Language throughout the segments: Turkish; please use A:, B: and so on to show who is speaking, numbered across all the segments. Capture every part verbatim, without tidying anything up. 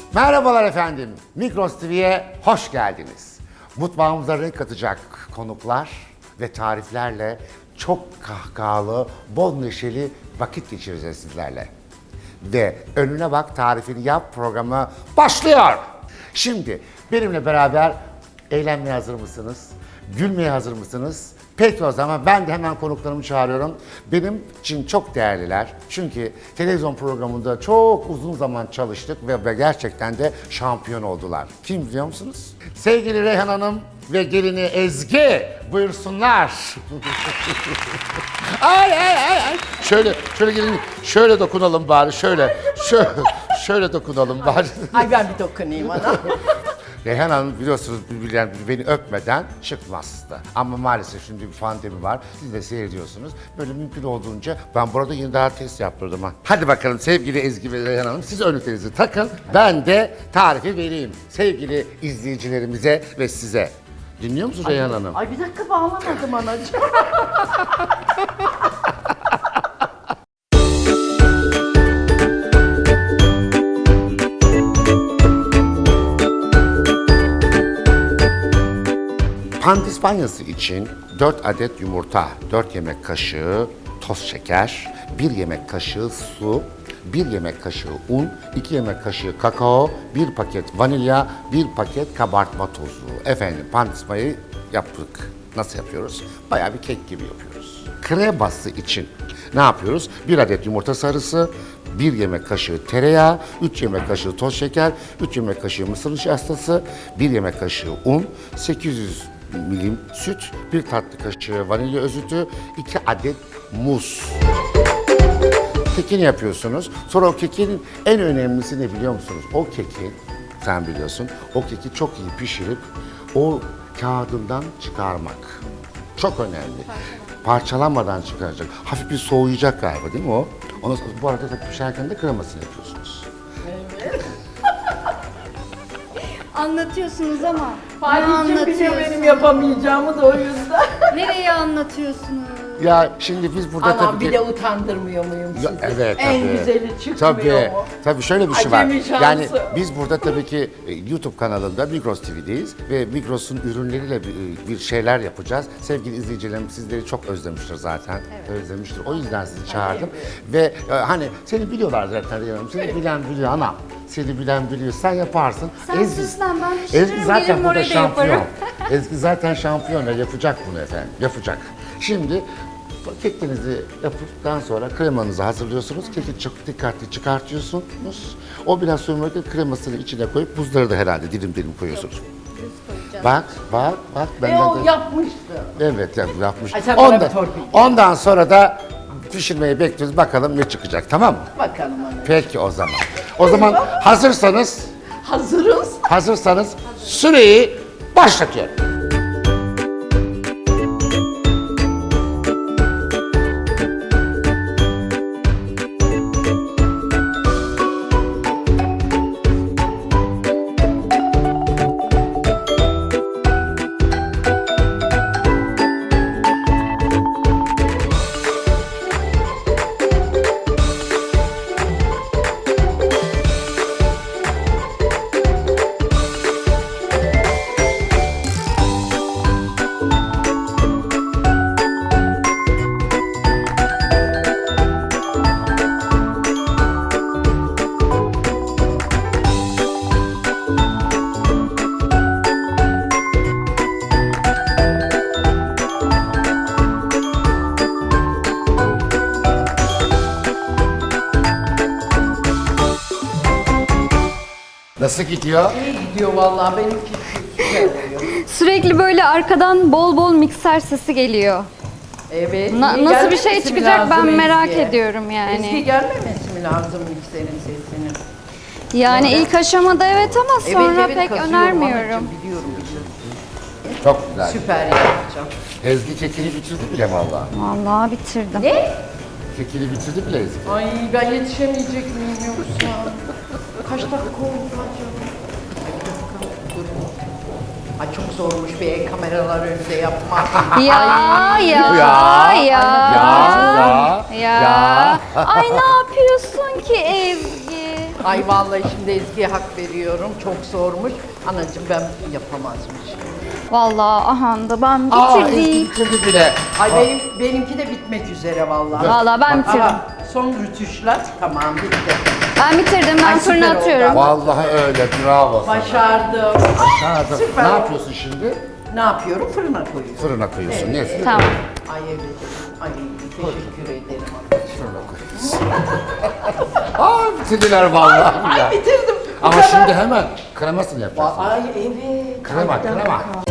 A: Merhabalar efendim, Migros T V'ye hoş geldiniz. Mutfağımıza renk katacak konuklar ve tariflerle çok kahkahalı, bol neşeli vakit geçireceğiz sizlerle. Ve Önüne Bak Tarifini Yap programı başlıyor. Şimdi benimle beraber eğlenmeye hazır mısınız? Gülmeye hazır mısınız? Peki o zaman ben de hemen konuklarımı çağırıyorum. Benim için çok değerliler. Çünkü televizyon programında çok uzun zaman çalıştık ve, ve gerçekten de şampiyon oldular. Kim biliyor musunuz? Sevgili Reyhan Hanım ve gelini Ezgi buyursunlar. Ay ay ay ay. Şöyle şöyle gelin şöyle dokunalım bari şöyle. Şöyle şöyle dokunalım bari.
B: Ay ben bir dokunayım ona.
A: Reyhan Hanım biliyorsunuz birbirlerini beni öpmeden çıkmazdı. Ama maalesef şimdi bir pandemi var. Siz de seyrediyorsunuz. Böyle mümkün olduğunca ben burada yine daha test yaptırdım ha. Hadi bakalım sevgili Ezgi ve Reyhan Hanım siz önlüklerinizi takın. Ben de tarifi vereyim sevgili izleyicilerimize ve size. Dinliyor musun Reyhan Hanım?
B: Ay bir dakika bağlamadım anacığım.
A: Pandispanyası için dört adet yumurta, dört yemek kaşığı toz şeker, bir yemek kaşığı su, bir yemek kaşığı un, iki yemek kaşığı kakao, bir paket vanilya, bir paket kabartma tozu. Efendim pandispanyayı yaptık. Nasıl yapıyoruz? Bayağı bir kek gibi yapıyoruz. Kreması için ne yapıyoruz? Bir adet yumurta sarısı, bir yemek kaşığı tereyağı, üç yemek kaşığı toz şeker, üç yemek kaşığı mısır nişastası, bir yemek kaşığı un, sekiz yüz milim süt, bir tatlı kaşığı vanilya özütü, iki adet muz. Kekini yapıyorsunuz. Sonra o kekin en önemlisi ne biliyor musunuz? O keki, sen biliyorsun, o keki çok iyi pişirip o kağıdından çıkarmak. Çok önemli. Parçalanmadan çıkaracak. Hafif bir soğuyacak galiba değil mi o? Ondan sonra, bu arada da pişerken de kremasını yapıyorsunuz.
C: Anlatıyorsunuz ama ne
B: Fatih'cim biliyor benim
C: anlatıyorsunuz?
B: yapamayacağımı da o yüzden.
C: Nereye anlatıyorsunuz?
A: Ya şimdi biz burada
B: Anam
A: tabii
B: bir
A: ki...
B: de utandırmıyor muyum sizi?
A: Ya, evet
B: En
A: tabii.
B: güzeli çıkmıyor
A: Tabii,
B: mu?
A: tabii şöyle bir şey
B: Acemi
A: var.
B: şansı.
A: Yani biz burada tabii ki e, YouTube kanalında Migros T V'deyiz ve Migros'un ürünleriyle bir, e, bir şeyler yapacağız. Sevgili izleyicilerim sizleri çok özlemiştir zaten. Özlemiştir. O yüzden sizi çağırdım. Ve e, hani seni biliyorlar zaten Reyhan Hanım. Seni bilen biliyor anam. Seni bilen biliyor. Sen yaparsın.
C: Sen sus lan, ben pişiririm,
A: Ezgi zaten
C: gelirim
A: burada
C: oraya da
A: şampiyon.
C: yaparım.
A: Ezgi zaten şampiyon. Yapacak bunu efendim. Yapacak. Şimdi kekinizi yaptıktan sonra kremanızı hazırlıyorsunuz. Keki çok dikkatli çıkartıyorsunuz. O biraz soyulurken kremasını içine koyup buzları da herhalde dilim dilim koyuyorsunuz. Bak, bak, bak.
B: E
A: Benden
B: o
A: de...
B: yapmıştı.
A: Evet, yap- yapmış.
B: Ay, sen bana
A: Ondan,
B: bir torpil.
A: ondan sonra da pişirmeyi bekliyoruz. Bakalım ne çıkacak, tamam mı?
B: Bakalım ana.
A: Peki o zaman. O zaman hazırsanız,
B: Hazırız.
A: hazırsanız süreyi başlatıyorum. Nasıl gidiyor?
B: İyi gidiyor vallahi benimki süper oluyor.
C: Sürekli böyle arkadan bol bol mikser sesi geliyor.
B: Evet.
C: Na-
B: iyi
C: nasıl bir şey
B: gelmemesi mi
C: çıkacak ben
B: lazım
C: merak
B: Ezgi'ye?
C: ediyorum yani.
B: Ezgi gelmemesi mi lazım mikserin sesinin?
C: Yani ilk aşamada evet ama sonra
B: evet,
C: pek
B: kazıyorum
C: önermiyorum.
B: anacığım, biliyorum biliyorum.
A: Çok güzel.
B: Süper yapacağım.
A: Ezgi kekini bitirdi bile vallahi.
C: Vallahi bitirdim.
B: Ne?
A: Kekini bitirdi bile Ezgi.
B: Ay ben yetişemeyecek miyim yoksa? Kaç dakika oldu acaba? Ay bir dakika durun. Ay çok zormuş bir kameralar önünde yapmak.
C: Ya ya ya
A: Ya,
C: ya
A: ya,
C: ya. Ay ne yapıyorsun ki Ezgi?
B: Ay vallahi şimdi Ezgi'ye hak veriyorum. Çok zormuş. Anacığım ben yapamazmış.
C: Vallahi aha da ben
A: Aa Ezgi
C: bitirdim.
A: bitirdi bile.
B: Ay benim benimki de bitmek üzere vallahi.
C: Vallahi ben bitirdim.
B: Aha, son rütuşlar tamam bitti.
C: Ben bitirdim. Ben
B: Ay,
C: fırına
B: süper oldu.
C: atıyorum.
A: Vallahi öyle, bravo sana.
B: Başardım.
A: Başardın.
B: Süper
A: Ne
B: oldu.
A: yapıyorsun şimdi?
B: Ne yapıyorum? Fırına koyuyorum.
A: Fırına koyuyorsun. Ne?
C: Tamam.
B: Ay evet. Ay teşekkür ederim.
A: Fırına koyuyorsun. Aa bitirdiler vallahi. ya.
B: Ay bitirdim. Bu
A: Ama
B: kadar.
A: şimdi hemen kremasını yapacaksın.
B: Ay evet.
A: Krema,
B: Ay, bir
A: krema.
B: dakika.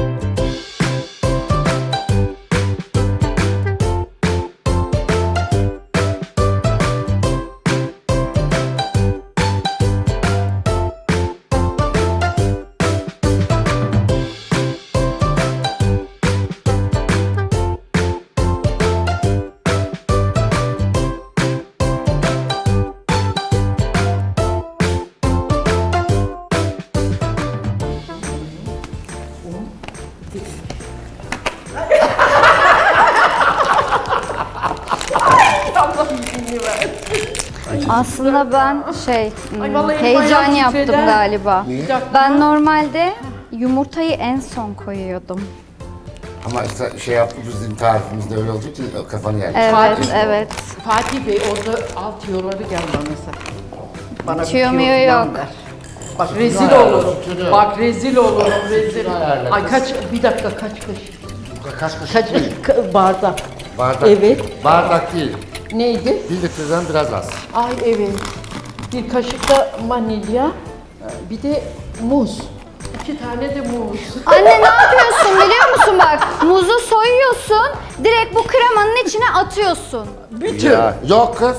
B: Allah'ım izin ver.
C: Aslında ben şey hmm,
B: Ay, vallahi elim
C: heyecan
B: ayağım
C: yaptım
B: titredi.
C: galiba.
A: Niye?
C: Ben normalde yumurtayı en son koyuyordum.
A: Ama işte şey yaptı bizim tarifimizde öyle olduğu için kafanı yermiş.
C: Evet,
B: Fatih.
C: evet.
B: Fatih Bey orada alt tiyoları gel bana sen. Bana bir
C: Tiyo
B: tiyo
C: miyo
B: falan
C: yok.
B: ver. Bak rezil
A: ayarladım,
B: olurum.
A: tüyo.
B: Bak rezil olurum rezil.
A: ayarladım.
B: Ay kaç bir dakika kaç kaşık?
A: Kaç kaşık
B: Kaç
A: değil.
B: ka- bardak?
A: Bardak.
B: Evet.
A: Bardak değil.
B: Neydi?
A: Bir litreden biraz az.
B: Ay evet. Bir kaşık da vanilya, bir de muz. İki tane de muz.
C: Anne ne yapıyorsun biliyor musun bak? Muzu soyuyorsun, direkt bu kremanın içine atıyorsun.
B: Bütün.
A: Ya, yok kız.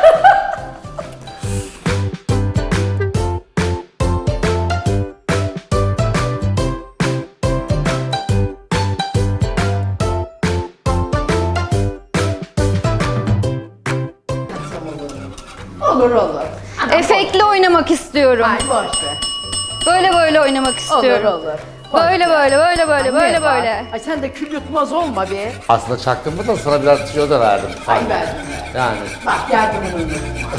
B: Olur olur.
C: Efektli oynamak istiyorum.
B: Ay boş ver.
C: Böyle böyle oynamak
B: Olur
C: istiyorum.
B: olur. Boş
C: Böyle
B: ver.
C: böyle böyle böyle
B: Anne
C: böyle
B: bak.
C: böyle.
B: Ay sen de kül yutmaz olma be.
A: Aslında çaktım da sana biraz tüyo da verdim.
B: Ay verdim.
A: Yani.
B: Bak yardımını unutma.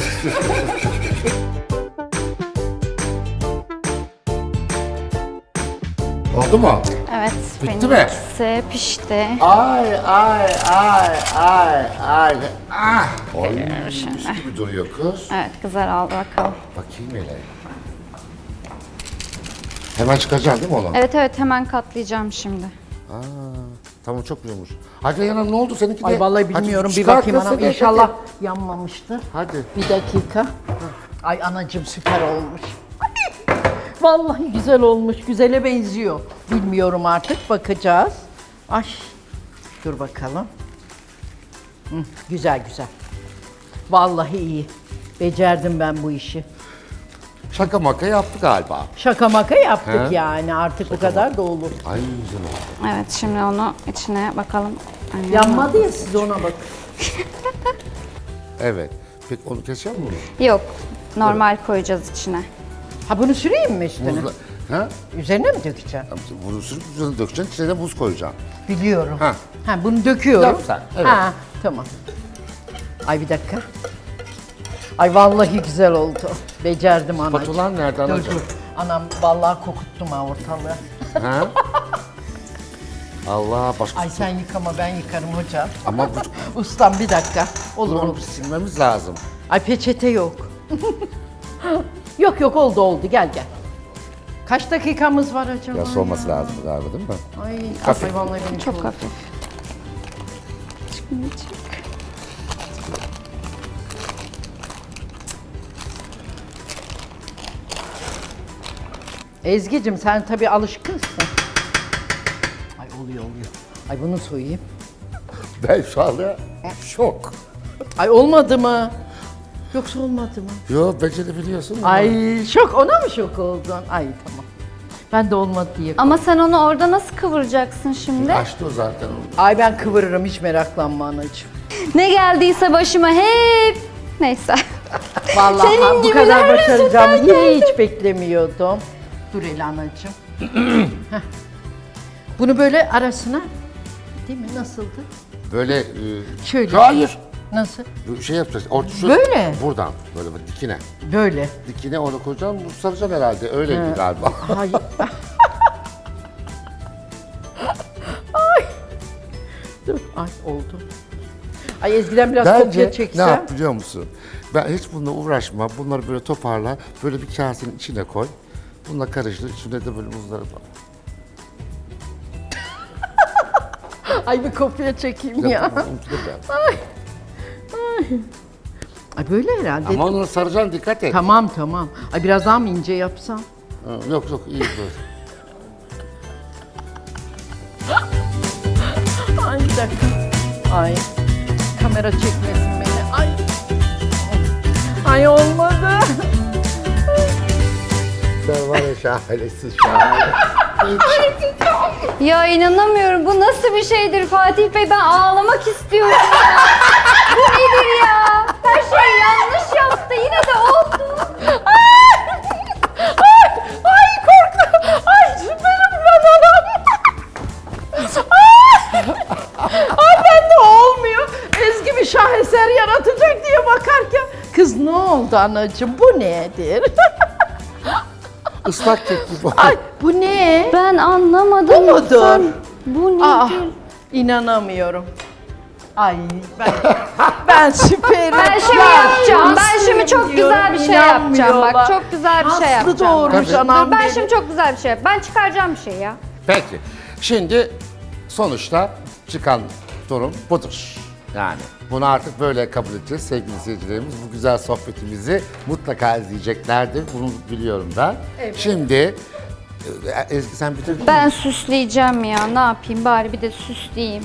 A: Oldu mu?
C: Evet,
A: Bitti mi?
C: benimkisi pişti.
A: Ay ay ay ay ay. Ah. Oy.
C: Şimdi.
A: gibi duruyor kız.
C: Evet, güzel al bakalım.
A: Bakayım hele. Hemen çıkacaksın değil mi onu?
C: Evet evet, hemen katlayacağım şimdi.
A: Aa, tamam çok güzelmiş. Hadi Yanam ne oldu seninki de?
B: Ay vallahi
A: Hadi
B: bilmiyorum bir
A: çıkart
B: bakayım
A: kız,
B: anam.
A: hadi,
B: İnşallah
A: hadi.
B: yanmamıştır.
A: Hadi.
B: Bir dakika. Ay anacığım süper olmuş. Vallahi güzel olmuş. Güzele benziyor. Bilmiyorum artık. Bakacağız. Ay. Dur bakalım. Hı, güzel güzel. Vallahi iyi. Becerdim ben bu işi.
A: Şaka maka yaptı galiba.
B: Şaka maka yaptık
A: He?
B: yani. Artık bu kadar da olur.
A: Ay güzel oldu.
C: Evet, şimdi onu içine bakalım. Ay,
B: Yanmadı ya siz ona bakın.
A: Evet. Peki onu keseceğim mi bunu?
C: Yok, normal koyacağız içine.
B: Ha bunu süreyim mi üstüne?
A: Buzla... Ha?
B: Üzerine mi dökeceğim?
A: Bunu sürüp üzerine dökeceksin, içine de buz koyacaksın.
B: Biliyorum.
A: Ha.
B: Ha bunu döküyorum.
A: Yap sen, evet.
B: Ha tamam. Ay bir dakika. Ay vallahi güzel oldu. Becerdim anacığım.
A: Patulan nereden
B: Dur
A: alacağım?
B: dur. Anam vallahi kokuttum ha ortalığı.
A: Ha? Allah başka...
B: Ay sen yıkama ben yıkarım hocam.
A: Ama bu...
B: Ustam bir dakika. Olur
A: Bunu
B: olur.
A: bir silmemiz lazım.
B: Ay peçete yok. yok yok oldu oldu gel gel. Kaç dakikamız var acaba?
A: Ya soğuması lazım galiba değil mi?
B: Ay,
A: Hafif.
B: ay vallahi benim
C: Çok
B: oldu.
C: hafif. Çıkmayacak.
B: Ezgi'cim sen tabii alışkınsın. Ay oluyor oluyor. Ay bunu soyayım.
A: Ben şu anda şok.
B: Ay olmadı mı? Yoksa olmadı mı?
A: Yo becerebiliyorsun.
B: Ay şok ona mı şok oldun? Ay tamam. Ben de olmadı diye.
C: Ama sen onu orada nasıl kıvıracaksın şimdi?
A: Açtı o zaten onu.
B: Ay ben kıvırırım hiç meraklanma anacığım.
C: Ne geldiyse başıma hep... Neyse.
B: Vallahi
C: Senin
B: ha, bu
C: gibiler
B: kadar
C: yüzünden
B: başaracağımı
C: geldi.
B: hiç beklemiyordum. Dur el anacığım. Heh. Bunu böyle arasına değil mi? Nasıldı?
A: Böyle... E...
B: Şöyle.
A: Hayır.
B: Nasıl?
A: Bu şey yapacağız. Orta şu,
B: Böyle.
A: Buradan böyle bak, dikine.
B: Böyle.
A: Dikine onu koyacaksın. Bu saracaksın herhalde. Öyleydi galiba.
B: Hayır. Ay. Dur. Ay oldu. Ay Ezgi'den biraz kopya
A: Bence ne
B: çeksem.
A: yap biliyor musun? Ben hiç bununla uğraşma. Bunları böyle toparla. Böyle bir kasenin içine koy. Bununla karıştır. İçine de böyle muzları falan.
B: Ay bir kopya çekeyim ya.
A: Yapma, unutma ben.
B: Ay böyle herhalde.
A: Ama onu saracaksın, dikkat et.
B: Tamam tamam. Ay biraz daha mı ince yapsam?
A: Ha, Yok yok iyi böyle.
B: Ay bir dakika. Ay. Kamera çekmesin beni. Ay. Ay olmadı.
A: Sen var ya şahanesin şahane.
C: Ya inanamıyorum. Bu nasıl bir şeydir Fatih Bey? Ben ağlamak istiyorum ya. Bu nedir ya? Her şey yanlış yaptı. Yine de oldu.
B: Ay, ay korktum. Ay süperim ben adam. Ay bende olmuyor. Ezgi bir şaheser yaratacak diye bakarken. Kız ne oldu anacığım bu nedir?
A: Islak kek gibi.
B: Ay bu ne?
C: Ben anlamadım.
B: Bu mudur?
C: Sen- Bu nedir?
B: Aa, inanamıyorum. Ay ben ben süperim.
C: Ben şimdi
B: Ya,
C: yapacağım. Ben
B: Aslı
C: şimdi çok
B: diyorum,
C: güzel bir şey yapacağım.
B: inanmıyorlar.
C: Bak çok güzel bir şey
B: Aslı
C: yapacağım.
B: doğurmuş
A: Tabii.
B: anam
C: Dur, ben
B: beni.
C: şimdi çok güzel bir şey yap. Ben çıkaracağım bir şey ya.
A: Peki. Şimdi sonuçta çıkan durum budur. Yani bunu artık böyle kabul edeceğiz sevgili seyircilerimiz. Bu güzel sohbetimizi mutlaka izleyeceklerdir. Bunu biliyorum ben. Şimdi e, Ezgi sen bitirdin mi?
C: Ben süsleyeceğim ya. Ne yapayım bari bir de süsleyeyim.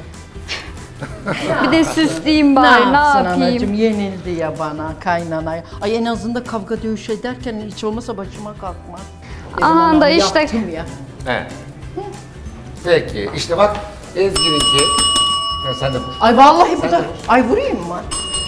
C: bir de süsleyeyim
B: Ne
C: bari. Ne,
B: yapsın
C: yapayım?
B: anacığım yenildi ya bana kaynanaya. Ay en azından kavga dövüş ederken hiç olmasa başıma kalkmaz. Dedim,
C: Aman
B: anam,
C: da işte-
B: yaptım ya.
A: Evet. Peki işte bak Ezgi'ninki. Ha, sen de vur.
B: Ay vallahi bu
A: Sen
B: da.
A: de vur.
B: Ay vurayım mı?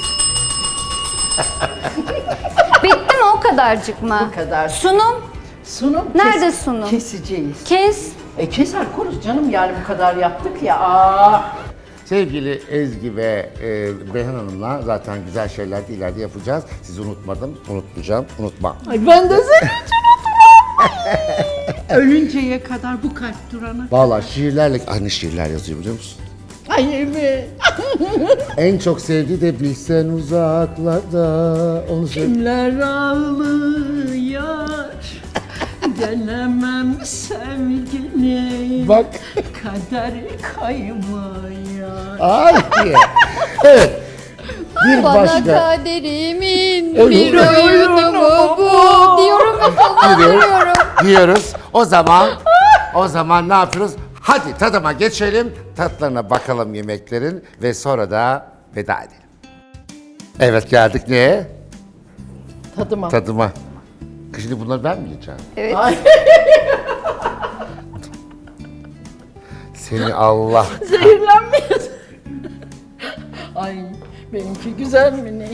C: Bitti mi o kadarcık mı?
B: Bu kadar.
C: Sunum.
B: Sunum.
C: Nerede
B: kes-
C: sunum?
B: Keseceğiz.
C: Kes.
B: E keser koruz canım yani bu kadar yaptık ya. Aa.
A: Sevgili Ezgi ve e, Beyhan Hanım'la zaten güzel şeyler de ileride yapacağız. Sizi unutmadım, unutmayacağım, unutmam.
B: Ay ben de seni hiç unutmam. Ölünceye kadar bu kalp durana.
A: Vallahi şiirlerle aynı şiirler yazıyor biliyor musun?
B: Ay evet.
A: En çok sevdiği de bilsen uzaklarda onu sev.
B: Kimler ağlıyor, gelemem sevgini.
A: Bak.
B: Kader kaymıyor.
A: Ay diye. Evet. Bir
C: Bana
A: başka
C: kaderimin
A: Oyun.
C: bir oyunu mu bu? Diyorum ve
A: diyoruz. diyoruz. O zaman o zaman ne yapıyoruz? Hadi tadıma geçelim. Tatlarına bakalım yemeklerin ve sonra da veda edelim. Evet geldik neye?
B: Tadıma.
A: Tadıma. Şimdi bunları ben mi yiyeceğim?
C: Evet.
B: Ay,
A: Seni Allah.
B: zehirlenmeyiz. Ay benimki güzel mi ne?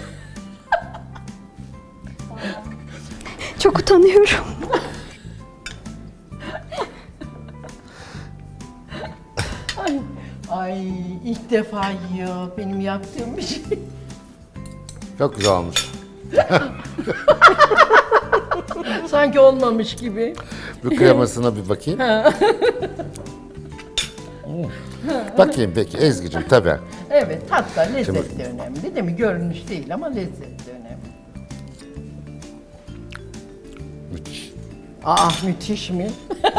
C: Çok utanıyorum.
B: Ay, ay ilk defa yiyor benim yaptığım bir şey.
A: Çok güzel olmuş.
B: Sanki olmamış gibi.
A: Bir kremasına bir bakayım. Hmm. Bakayım peki Ezgi'cim tabii.
B: Evet hatta lezzet de önemli değil mi? Görünüş değil ama lezzet de önemli.
A: Müthiş.
B: Aa müthiş mi?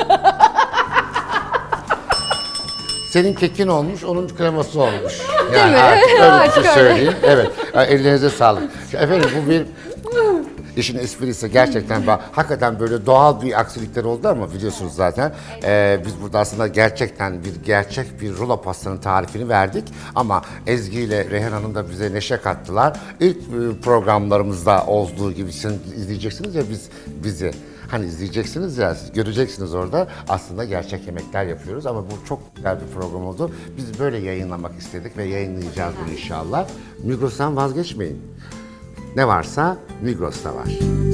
A: Senin kekin olmuş, onun kreması olmuş.
C: Değil mi?
A: artık öyle bir
C: Artık
A: şey
C: öyle.
A: söyleyeyim. Evet. Yani ellerinize sağlık. Efendim bu bir işin esprisi gerçekten bak, hakikaten böyle doğal bir aksilikler oldu ama biliyorsunuz zaten. Ee, biz burada aslında gerçekten bir gerçek bir rulo pastanın tarifini verdik ama Ezgi ile Reyhan Hanım da bize neşe kattılar. İlk e, programlarımızda olduğu gibi sizin izleyeceksiniz ya biz bizi. Hani izleyeceksiniz ya, siz göreceksiniz orada aslında gerçek yemekler yapıyoruz ama bu çok güzel bir program oldu. Biz böyle yayınlamak istedik ve yayınlayacağız bunu inşallah. Migros'tan vazgeçmeyin. Ne varsa Migros'ta var.